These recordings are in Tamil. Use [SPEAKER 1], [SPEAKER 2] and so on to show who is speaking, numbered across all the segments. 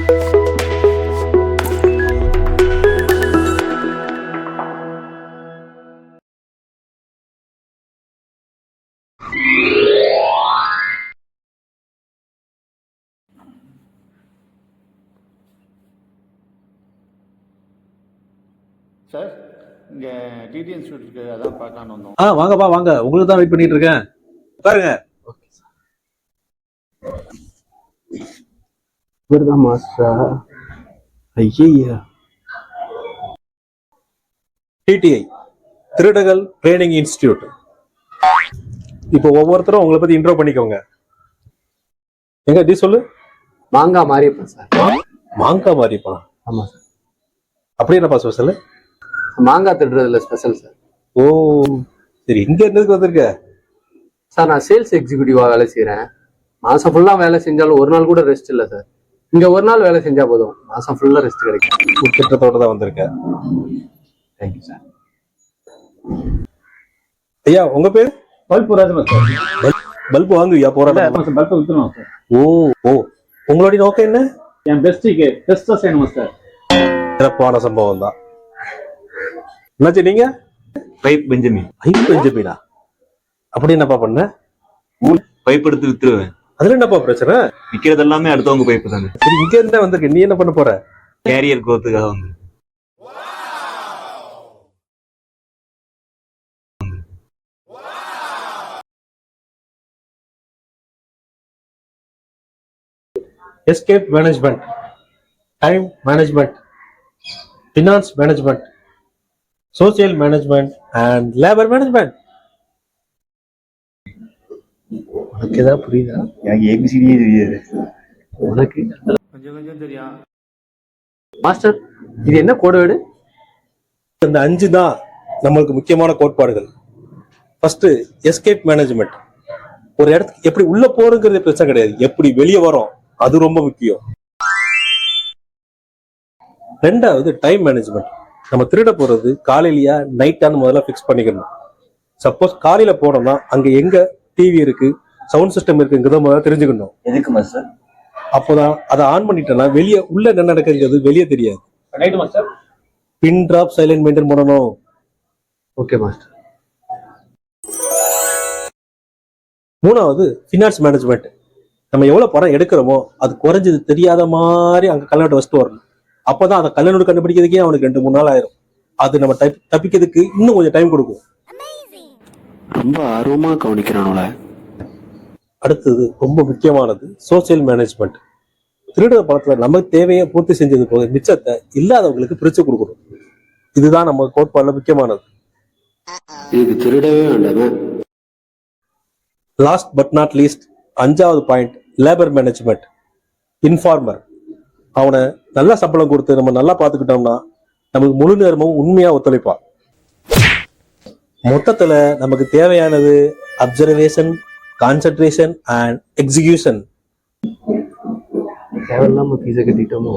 [SPEAKER 1] சார், இங்கே டிடி இன்ஸ்டியூட் இருக்கு, அதான் பார்க்கலான்னு வந்தோம்.
[SPEAKER 2] வாங்கப்பா வாங்க, உங்களுக்கு தான் வெயிட் பண்ணிட்டு இருக்கேன். உட்காருங்க.
[SPEAKER 3] இவர்தான் மாஸ்டரா? ஐயா,
[SPEAKER 2] டிடிஐ திருடகல் ட்ரைனிங் இன்ஸ்டிடியூட். இப்போ ஒவ்வொருத்தரும் உங்களை பத்தி இன்ட்ரோ பண்ணிக்கோங்க. எங்க டி சொல்லு.
[SPEAKER 3] மாங்காய் மாரியப்பன் சார்.
[SPEAKER 2] மாங்காய் மாரியப்பா?
[SPEAKER 3] ஆமா சார்.
[SPEAKER 2] அப்படி என்னப்பா ஸ்பெஷல்?
[SPEAKER 3] மாங்காய் திருடுறதுல ஸ்பெஷல் சார்.
[SPEAKER 2] ஓ சரி, இங்க என்னதுக்கு வந்திருக்க?
[SPEAKER 3] சார், நான் சேல்ஸ் எக்ஸிக்யூட்டிவா வேலை செய்யறேன். மாசம் ஃபுல்லா வேலை செஞ்சாலும் ஒரு நாள் கூட ரெஸ்ட் இல்லை சார். இங்க ஒரு நாள் வேலை செஞ்சா போதும், மாசம் ஃபுல்லா ரெஸ்ட் கிடைக்கும்.
[SPEAKER 2] திட்டத்தோட தான் வந்திருக்கேன்.
[SPEAKER 3] Thank you sir.
[SPEAKER 2] ஐயா உங்க பேரு?
[SPEAKER 1] பல்பு ராஜமா சார்.
[SPEAKER 2] பல்பு வாங்குவியா? போராட
[SPEAKER 1] பல்பு வித்துருவோம் சார்.
[SPEAKER 2] ஓ ஓ, உங்களுடைய நோக்கம் என்ன?
[SPEAKER 1] என் பெஸ்டா செய்யணும் சார்.
[SPEAKER 2] சிறப்பான சம்பவம் தான். என்னாச்சு நீங்க?
[SPEAKER 4] Pipe Benjamin.
[SPEAKER 2] பைப் பெஞ்சமினா? அப்படி என்னப்பா பண்ண?
[SPEAKER 4] பைப் எடுத்து வித்துருவேன்.
[SPEAKER 2] அதுல என்னப்பா பிரச்சனை?
[SPEAKER 4] விக்கிறது எல்லாமே அடுத்தவங்க பைப்பு தானே.
[SPEAKER 2] சரி, இங்க இருந்தா வந்திருக்க, நீ என்ன பண்ண போற?
[SPEAKER 4] கேரியர் growth-க்காக வந்து.
[SPEAKER 2] Escape management, time management, finance management, social management and labour management. உனக்கு ஏதாவது புரியுதா?
[SPEAKER 4] எனக்கு ஏபிசிடியே தெரியாது.
[SPEAKER 3] உனக்கு
[SPEAKER 1] கொஞ்சம் கொஞ்சம் தெரியும்
[SPEAKER 3] மாஸ்டர். இது என்ன கோட்வேர்டு?
[SPEAKER 2] இந்த 5 தான் நம்மளுக்கு முக்கியமான கோட்பாடுகள். First escape management. ஒரு இடத்துக்கு எப்படி உள்ள போறதுங்கிறது பிரச்சனை கிடையாது, எப்படி வெளியே வரோம் அது ரொம்ப முக்கியம். ரெண்டாவது டைம் மேனேஜ்மெண்ட். நம்ம திருட போறது காலையிலயா நைட்டான்னு முதல்ல ஃபிக்ஸ் பண்ணிக்கணும். சப்போஸ் காலையில போனோம்னா அங்க எங்க டிவி இருக்கு, சவுண்ட் சிஸ்டம் இருக்குங்கிறத முதல்ல தெரிஞ்சுக்கணும்.
[SPEAKER 4] எதுக்கு மாஸ்டர்?
[SPEAKER 2] அப்போதான் அதை ஆன் பண்ணிட்டோம்னா வெளியே உள்ள என்ன நடக்குங்கிறது வெளியே தெரியாது.
[SPEAKER 1] Right master.
[SPEAKER 2] Pin drop silent maintain பண்ணணும்.
[SPEAKER 3] Okay master.
[SPEAKER 2] மூணாவது ஃபினான்ஸ் மேனேஜ்மெண்ட். நம்ம எவ்வளவு பணம் எடுக்கிறோமோ அது குறைஞ்சது தெரியாத மாதிரி அங்க கல்யாணத்தை வச்சுட்டு வரணும். அப்பதான் அந்த கல்யாணோட கண்டுபிடிக்கிறதுக்கே அவனுக்கு 2-3 நாள் ஆயிரும். அது நம்ம தப்பிக்கிறதுக்கு இன்னும் கொஞ்சம் டைம் கொடுக்கும்.
[SPEAKER 3] ரொம்ப ஆர்வமா கவனிக்கிறானோல.
[SPEAKER 2] அடுத்தது ரொம்ப முக்கியமானது சோசியல் மேனேஜ்மெண்ட். திருடுற பணத்துல நமக்கு தேவையை பூர்த்தி செஞ்சது போக மிச்சத்தை இல்லாதவங்களுக்கு பிரிச்சு கொடுக்கணும். இதுதான் நம்ம கோட்பாடுல முக்கியமானது.
[SPEAKER 3] இதுக்கு திருடவே வேண்டாமே.
[SPEAKER 2] லாஸ்ட் பட் நாட் லீஸ்ட், 5வது பாயிண்ட் லேபர் மேனேஜ்மெண்ட். இன்ஃபார்மர். அவனை நல்லா சம்பளம் கொடுத்து நம்ம நல்லா பார்த்துக்கிட்டோம்னா நமக்கு முழு நேரமும் உண்மையா ஒத்துழைப்பான். மொத்தத்துல நமக்கு தேவையானது அப்சர்வேஷன், கான்சென்ட்ரேஷன் அண்ட் எக்ஸிகியூஷன்.
[SPEAKER 3] தேவையில்லாம ஃபீஸை கட்டிட்டோமோ.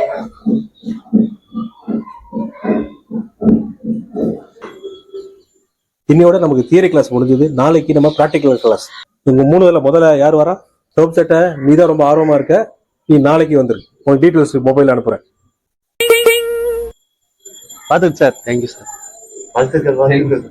[SPEAKER 2] இன்னையோட நமக்கு தியரி கிளாஸ் முடிஞ்சது. நாளைக்கு நம்ம பிராக்டிகல் கிளாஸ். உங்க 3 பேர்ல முதல்ல யார் வரா? சோப் சட்டை, நீ தான் ரொம்ப ஆர்வமா இருக்க, நீ நாளைக்கு வந்துரு. உனக்கு டீட்டெயில்ஸ் மொபைல் அனுப்புறேன்.
[SPEAKER 3] பார்த்துக்கு சார். Thank you sir. வாழ்த்துக்கள்.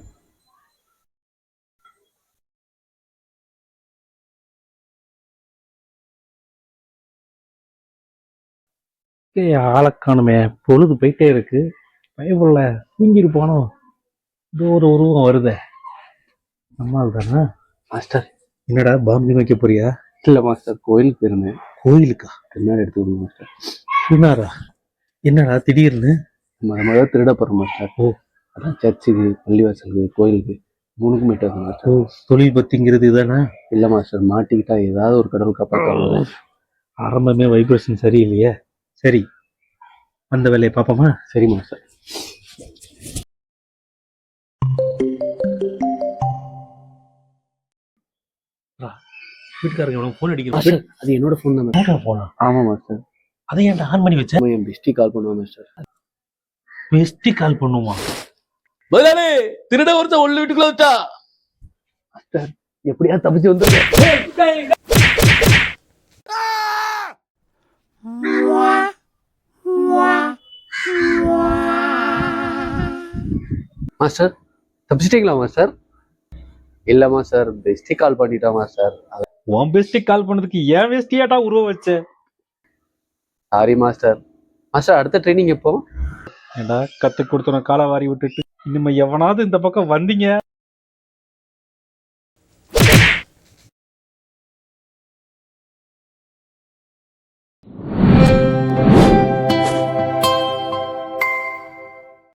[SPEAKER 5] ஆளக்கானுமே, பொழுது போயிட்டே இருக்கு. பயப்புள்ள தூங்கிட்டு போனோம். இது ஒரு உருவம் வருதே, நம்மால் தானே.
[SPEAKER 3] மாஸ்டர்,
[SPEAKER 2] என்னடா பாம்பு வைக்க போறியா?
[SPEAKER 3] இல்ல மாஸ்டர், கோயிலுக்கு போயிருந்தேன்.
[SPEAKER 2] கோயிலுக்கா?
[SPEAKER 3] பின்னாடி எடுத்து விடுங்க மாஸ்டர்.
[SPEAKER 2] பின்னாரா? என்னடா திடீர்னு?
[SPEAKER 3] நம்ம தான் திருட போறோம் மாஸ்டர்.
[SPEAKER 2] ஓ,
[SPEAKER 3] அதான் சர்ச்சுக்கு, பள்ளிவாசலுக்கு, கோயிலுக்கு 3க்கும் போயிட்டு வரணும் மாஸ்டர்.
[SPEAKER 2] ஓ, தொழில் பத்திங்கிறது இதானே?
[SPEAKER 3] இல்ல மாஸ்டர், மாட்டிக்கிட்டா ஏதாவது ஒரு கடவுள் காப்பாற்ற.
[SPEAKER 5] ஆரம்பமே வைப்ரேஷன் சரியில்லையே. சரி, அந்த வேலையை பார்ப்போமா?
[SPEAKER 3] சரி மாஸ்டர்.
[SPEAKER 5] வீட்டுக்காரங்க போன் அடிக்கிறாங்க.
[SPEAKER 3] அது என்னோட போன் தான்.
[SPEAKER 5] போனா?
[SPEAKER 3] ஆமா மாஸ்டர்.
[SPEAKER 5] அதை ஏன்டா ஆன் பண்ணி வச்சேன்?
[SPEAKER 3] என் பெஸ்டி கால் பண்ணுவான் மாஸ்டர்.
[SPEAKER 5] பெஸ்டி கால் பண்ணுமா?
[SPEAKER 6] முதலாளி, திருட ஒருத்தன் உள்ள வீட்டுக்குள்ள வச்சா.
[SPEAKER 3] மாஸ்டர், எப்படியா தப்பிச்சு வந்து மாஸ்டர் தப்பிச்சிட்டீங்களா மாஸ்டர்? இல்ல மாஸ்டர், பெஸ்டி கால் பண்ணிட்டா மாஸ்டர்.
[SPEAKER 5] உன் பெஸ்டிக் கால் பண்ணதுக்கு ஏன் வேஸ்டியாட்டா உருவ வச்ச?
[SPEAKER 3] Sorry master. மாஸ்டர் அடுத்த ட்ரைனிங் எப்போ?
[SPEAKER 5] ஏண்டா கத்து கொடுத்தன காலை வாரி விட்டுட்டு இனிமே எவனாவது இந்த பக்கம் வந்தீங்க